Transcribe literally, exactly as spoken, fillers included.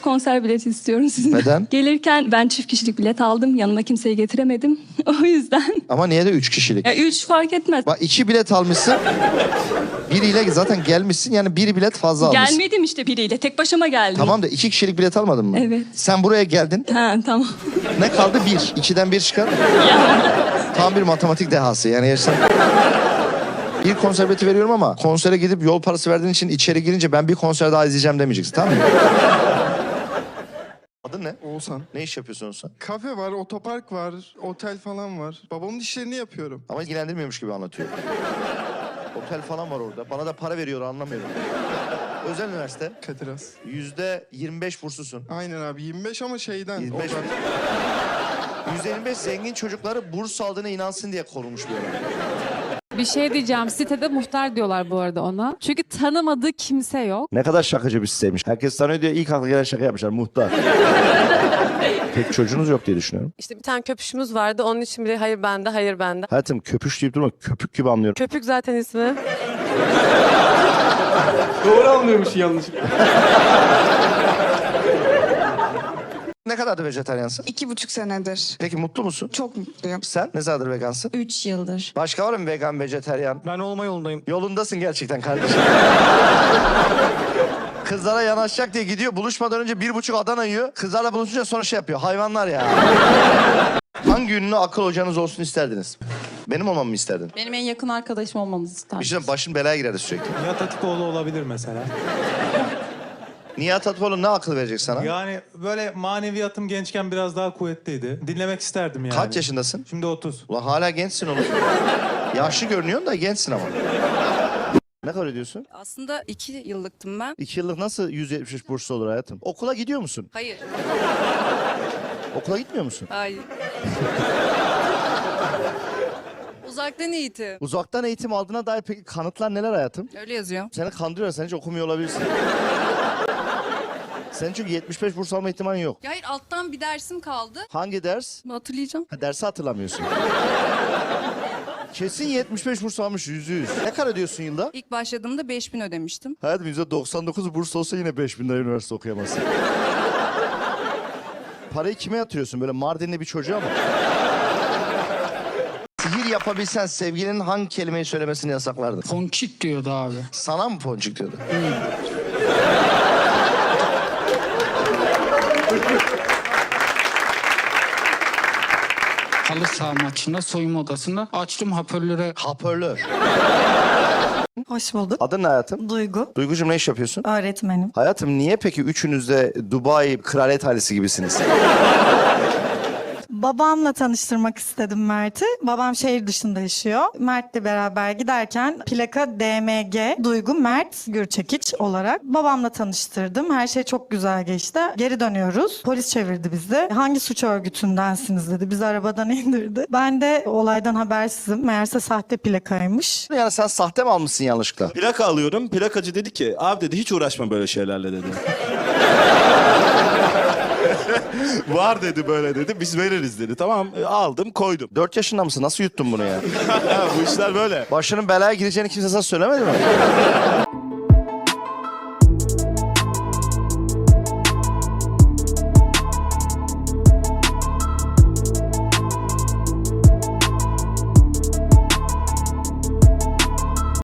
konser bileti istiyorum sizin. Neden? Gelirken ben çift kişilik bilet aldım. Yanıma kimseyi getiremedim. O yüzden. Ama niye de üç kişilik? Ya üç fark etmez. Bak iki bilet almışsın. Biriyle zaten gelmişsin, yani bir bilet fazla almışsın. Gelmedim işte biriyle. Tek başıma geldim. Tamam da iki kişilik bilet almadın mı? Evet. Sen buraya geldin. Ha tamam. Ne kaldı? Bir. İkiden bir çıkar. Tam bir matematik dehası. Yani gerçekten... Bir konser bileti veriyorum ama konsere gidip yol parası verdiğin için içeri girince ben bir konser daha izleyeceğim demeyeceksin, tamam mı? Adın ne? Oğuzhan. Ne iş yapıyorsun Oğuzhan? Kafe var, otopark var, otel falan var. Babamın işlerini yapıyorum. Ama ilgilendirmiyormuş gibi anlatıyor. Otel falan var orada. Bana da para veriyor, anlamıyorum. Özel üniversite. Kadir Has. Yüzde yirmi beş burslusun. Aynen abi, yirmi beş ama şeyden. yirmi beş. oradan. Yüzde yirmi beş zengin çocukları burs aldığına inansın diye korunmuş bir yer. Bir şey diyeceğim. Sitede muhtar diyorlar bu arada ona. Çünkü tanımadığı kimse yok. Ne kadar şakacı bir siteymiş. Herkes tanıyor diye ilk akla gelen şaka yapmışlar. Muhtar. Pek çocuğunuz yok diye düşünüyorum. İşte bir tane köpüşümüz vardı. Onun için bile hayır bende, hayır bende. Hayatım köpüş deyip durma. Köpük gibi anlıyorum. Köpük zaten ismi. Doğru anlıyormuş yanlış. Ne kadardır vejetaryansın? İki buçuk senedir. Peki mutlu musun? Çok mutluyum. Sen ne zamandır vegansın? Üç yıldır. Başka var mı vegan, vejetaryen? Ben olma yolundayım. Yolundasın gerçekten kardeşim. Kızlara yanaşacak diye gidiyor. Buluşmadan önce bir buçuk Adana yiyor. Kızlarla buluşunca sonra şey yapıyor. Hayvanlar ya. Hangi ünlü akıl hocanız olsun isterdiniz? Benim olmamı mı isterdin? Benim en yakın arkadaşım olmanızı isterdim. Bir şey diyeyim, başın belaya girerdi sürekli. Nihat Hatipoğlu olabilir mesela. Nihat Hatipoğlu ne akıl verecek sana? Yani böyle maneviyatım gençken biraz daha kuvvetliydi. Dinlemek isterdim yani. Kaç yaşındasın? Şimdi otuz. Ulan hala gençsin oğlum. Yaşlı görünüyorsun da gençsin ama. Ne kadar ödüyorsun? Aslında iki yıllıktım ben. İki yıllık nasıl yüz yetmiş üç burslu olur hayatım? Okula gidiyor musun? Hayır. Okula gitmiyor musun? Hayır. Uzaktan eğitim. Uzaktan eğitim aldığına dair peki kanıtlar neler hayatım? Öyle yazıyor. Seni kandırıyorlar, sen hiç okumuyor olabilirsin. Senin çünkü yetmiş beş burs alma ihtimalin yok. Ya hayır, alttan bir dersim kaldı. Hangi ders? Hatırlayacağım. Ha, dersi hatırlamıyorsun. Kesin yetmiş beş burs almış, yüzde yüz. Ne kadar ödüyorsun yılda? İlk başladığımda beş bin ödemiştim. Hayatım yüzde doksan dokuz burs olsa yine beş bin lira üniversite okuyamazsın. Parayı kime yatırıyorsun? Böyle Mardinli bir çocuğa mı? Sihir yapabilsen sevgilinin hangi kelimeyi söylemesini yasaklardın? Ponçik diyordu abi. Sana mı ponçik diyordu? Halı saha maçında soyunma odasında açtım hoparlöre. Hoparlör. Hoş bulduk. Adın ne hayatım? Duygu. Duygucuğum ne iş yapıyorsun? Öğretmenim. Hayatım niye peki üçünüz de Dubai kraliyet ailesi gibisiniz? Babamla tanıştırmak istedim Mert'i. Babam şehir dışında yaşıyor. Mert'le beraber giderken plaka D M G Duygu Mert Gürçekiç olarak babamla tanıştırdım. Her şey çok güzel geçti. Geri dönüyoruz. Polis çevirdi bizi. Hangi suç örgütündensiniz dedi. Bizi arabadan indirdi. Ben de olaydan habersizim. Meğerse sahte plakaymış. Yani sen sahte mi almışsın yanlışlıkla? Plaka alıyorum. Plakacı dedi ki abi dedi hiç uğraşma böyle şeylerle dedi. Var dedi böyle dedi. Biz veririz dedi. Tamam aldım koydum. Dört yaşında mısın? Nasıl yuttun bunu ya? Bu işler böyle. Başının belaya gireceğini kimse sana söylemedi mi?